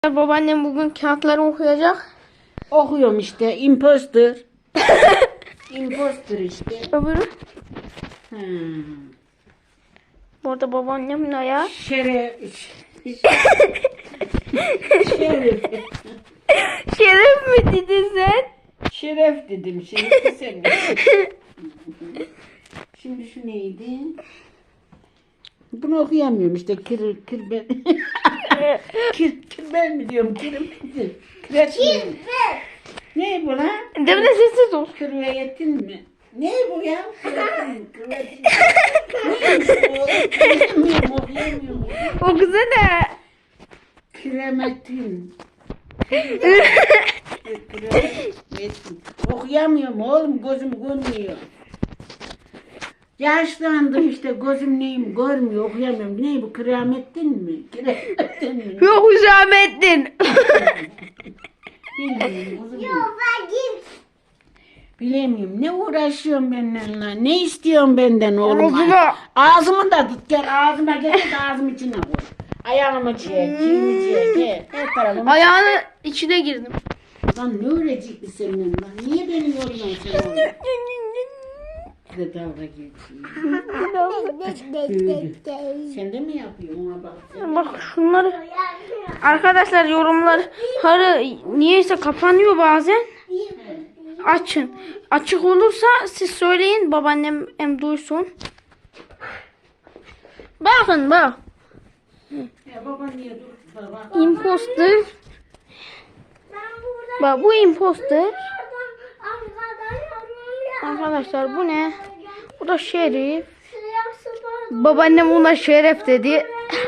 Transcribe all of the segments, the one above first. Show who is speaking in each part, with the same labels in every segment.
Speaker 1: Babaannem bugün kağıtları okuyacak.
Speaker 2: Okuyorum işte. Imposter. Imposter işte.
Speaker 1: Öbürü.
Speaker 2: Hmm.
Speaker 1: Bu arada babaannemin ayağı.
Speaker 2: Şeref. Şeref.
Speaker 1: Şeref mi dedin sen?
Speaker 2: Şeref dedim. Şeref sen. Şimdi şu neydi? Bunu okuyamıyorum işte. Kirbel. Kirbel mi diyorum? Kirbel. Kireç mi? Ne bu lan?
Speaker 1: Demine sessiz ol.
Speaker 2: Kırveyetin mi? Ne bu ya? Kırveyetin. Neymiş bu? Okuyamıyorum, okuyamıyorum.
Speaker 1: O güzel de.
Speaker 2: Kiremetin. Kiremetin. Okuyamıyorum oğlum, gözüm görmüyor. Yaşlandım işte, gözüm neyim görmüyor, okuyamıyorum. Ne bu, Kıramettin mi? Kiremetin mi?
Speaker 1: Yok Hüsamettin.
Speaker 2: Bilmiyorum kızım. Bilemiyorum. Ne uğraşıyorsun benimle lan? Ne istiyorsun benden oğlum?
Speaker 1: Ağzıma.
Speaker 2: Ağzımı da tut gel. Ağzıma getir de ağzımın içine koy. Ayağımı çiğ, çiğimi çiğ. Gel. Her tarafımı.
Speaker 1: Ayağını içine girdim.
Speaker 2: Lan ne öğrecekti senin lan? Niye beni yoruyorsun sen oğlum? Bir de dalga geçiyor. Sen de mi yapıyorsun ona bak?
Speaker 1: Bak şunları. Arkadaşlar yorumları niyeyse kapanıyor bazen. Açın. Açık olursa siz söyleyin, babaannem hem duysun. Bakın bak.
Speaker 2: Ya baba niye dur? Bak.
Speaker 1: Imposter. Bak bu imposter. Arkadaşlar bu ne? Bu da şerif. Babaannem buna şeref dedi.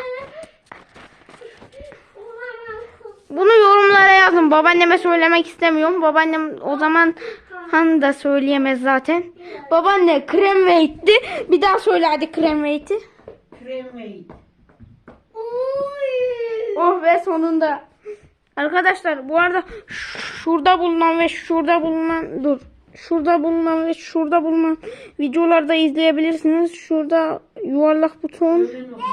Speaker 1: Bunu yorumlara yazın. Babaanneme söylemek istemiyorum. Babaannem o zaman da söyleyemez zaten. Babaanne krem ve itti. Bir daha söyle hadi krem ve iti.
Speaker 2: Kremeyi.
Speaker 1: Oh ve sonunda. Arkadaşlar bu arada şurada bulunan ve şurada bulunan şurada bulunan videolarda izleyebilirsiniz. Şurada yuvarlak buton.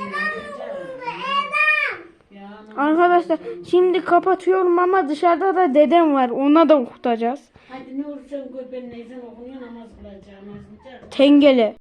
Speaker 1: Arkadaşlar şimdi kapatıyorum ama dışarıda da dedem var. Ona da okutacağız.
Speaker 2: Hadi ne olursan gör ben neyzen okunuyor namaz kılacağım.
Speaker 1: Tengele.